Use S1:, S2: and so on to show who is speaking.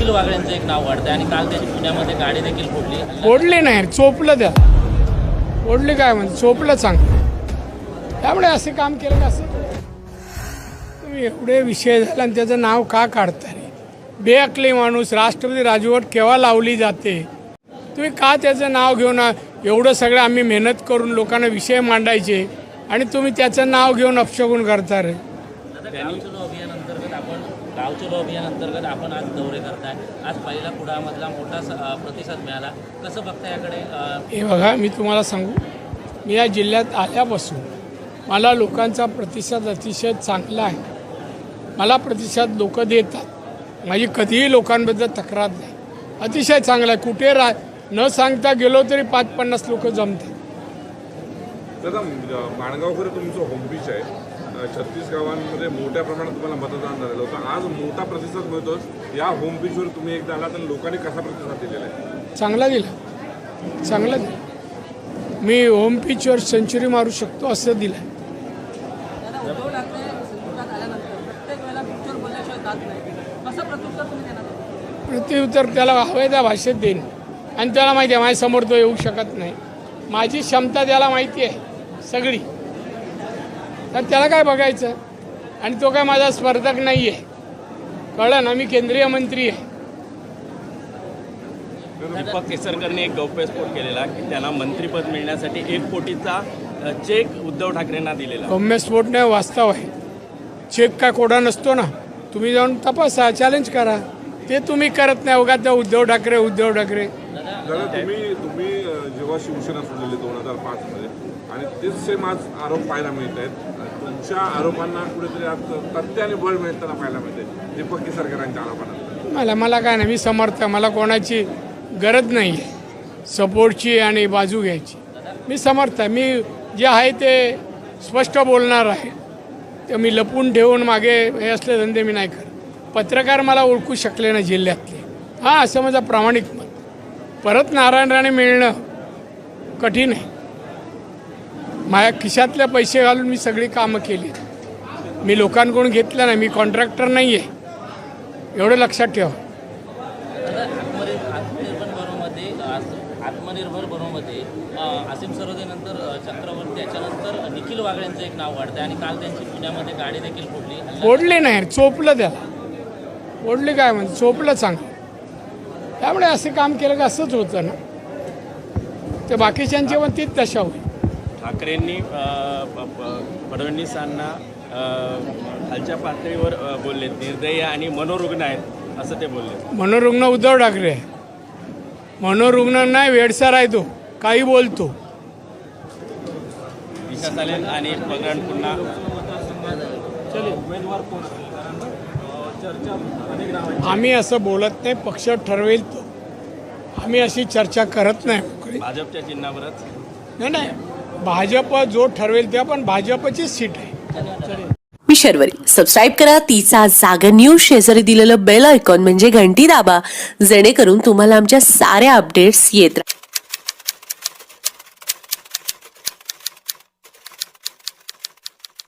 S1: निखिल वागळेंचं एक नाव वाढतंय आणि काल त्याची पुण्यामध्ये गाडी देखील
S2: फोडली नाही, चोपलं त्या. फोडली काय म्हणजे चोपलं चांगलं. त्यामुळे असे काम केलं का असं तुम्ही एवढे विषय झाला आणि त्याचं नाव का काढताय? बेअकली माणूस, राष्ट्रपती राजवट केव्हा लावली जाते? तुम्ही का त्याचं नाव घेऊन एवढं सगळं आम्ही मेहनत करून लोकांना विषय मांडायचे आणि तुम्ही त्याचं नाव घेऊन अपशगुन करता रे?
S1: गाव चलो अभियान अंतर्गत आपण आज दौरे करताय. आज पहिला कुडामधला मोठा प्रतिसाद मिळाला. कसं बघता याकडे?
S2: हे बघा, मी तुम्हाला सांगू, मी या जिल्ह्यात आल्यापासून मला लोकांचा प्रतिसाद अतिशय चांगला आहे. मला प्रतिसाद लोक देतात. माझी कधीही लोकांबद्दल तक्रार नाही. अतिशय चांगला आहे. कुठे न सांगता गेलो तरी 5-50 लोक जमतात.
S3: दादा, माणगावकर तुमचं होम पिच आहे. 36 गावांमध्ये मोठ्या प्रमाणात तुम्हाला मतदान झालेलं होतं. आज मोठा प्रतिसाद मिळतो. या होम पिचवर तुम्ही एकदा आला तर लोकांनी कसा प्रतिसाद दिलेला आहे?
S2: चांगला दिला, चांगला दिला. मी होम पिचवर सेंचुरी मारू शकतो असं दिलं. प्रत्युत्तर त्याला हवं त्या भाषेत देईन आणि त्याला माहिती आहे माझ्यासमोर तो येऊ शकत नाही. माझी क्षमता त्याला माहिती आहे सगळी. तर त्याला काय बघायचं? आणि तो काय माझा स्पर्धक नाही आहे, कळलं ना? मी केंद्रीय मंत्री आहे.
S4: दीपक केसरकरने एक गौप्यस्फोट केलेला की त्यांना मंत्रिपद मिळण्यासाठी 1 कोटीचा चेक उद्धव ठाकरेंना दिलेला.
S2: गौप्यस्फोट नाही, वास्तव आहे. चेक काय कोडा नसतो ना. तुम्ही जाऊन तपासा, चॅलेंज करा. ते तुम्ही करत नाही. उगा त्या उद्धव ठाकरे
S3: दादा, तुम्ही जेव्हा शिवसेना सोडलेली 2005 मध्ये आणि तेच सेम आज आरोप पाहायला मिळत आहेत. तुमच्या आरोपांना कुठेतरी आज तथ्याने बळ मिळताना पाहायला मिळते दीपक केसरकरांच्या आरोपांना.
S2: मला काय नाही, मी समर्थ. मला कोणाची गरज नाही आहे सपोर्टची आणि बाजू घ्यायची. मी समर्थ आहे. मी जे आहे ते स्पष्ट बोलणार आहे. ते मी लपून ठेवून मागे हे असले धंदे मी नाही करत. पत्रकार मला ओळखू शकले ना जिल्ह्यातले. हां, असं माझं प्रामाणिक मत. परत नारायण राणे मिळणं कठीण आहे. माझ्या खिशातले पैसे घालून मी सगळी कामं केली. मी लोकांकडून घेतलं नाही. मी कॉन्ट्रॅक्टर नाही आहे, एवढं लक्षात ठेवा.
S1: आत्मनिर्भर बनवमध्ये आसिम सरोदेनंतर चक्रवर्ती, त्याच्यानंतर निखिल वागळेंचं एक नाव वाढतंय आणि काल त्यांची पुण्यामध्ये गाडी देखील
S2: फोडली नाही, चोपलं त्याला. फोडली काय म्हणजे चोपलं चांगलं. त्यामुळे असे काम केलं का असंच होतं ना. ते बाकीच्यांची पण तीच दशा होईल.
S4: ठाकरेंनी फडणवीसांना खालच्या पातळीवर बोलले, निर्दयी आणि मनोरुग्ण आहेत असं ते बोलले.
S2: मनोरुग्ण उद्धव ठाकरे आहे. मनोरुग्ण नाही, वेडसर आहे तो. काही बोलतो.
S4: दिशा चालेल आणि पगड पुन्हा
S2: आम्ही असं बोलत नाही. पक्ष ठरवेल तो. आम्ही अशी चर्चा करत नाही.
S4: भाजपच्या चिन्हावरच
S2: नाही, भाजप जो ठरवेल ते. पण भाजपचीच सीट आहे.
S5: मी शर्वरी. सबस्क्राईब करा तिचा जागर न्यूज. शेजारी दिलेलं बेल आयकॉन म्हणजे घंटी दाबा, जेणेकरून तुम्हाला आमच्या साऱ्या अपडेट्स येत राहतील.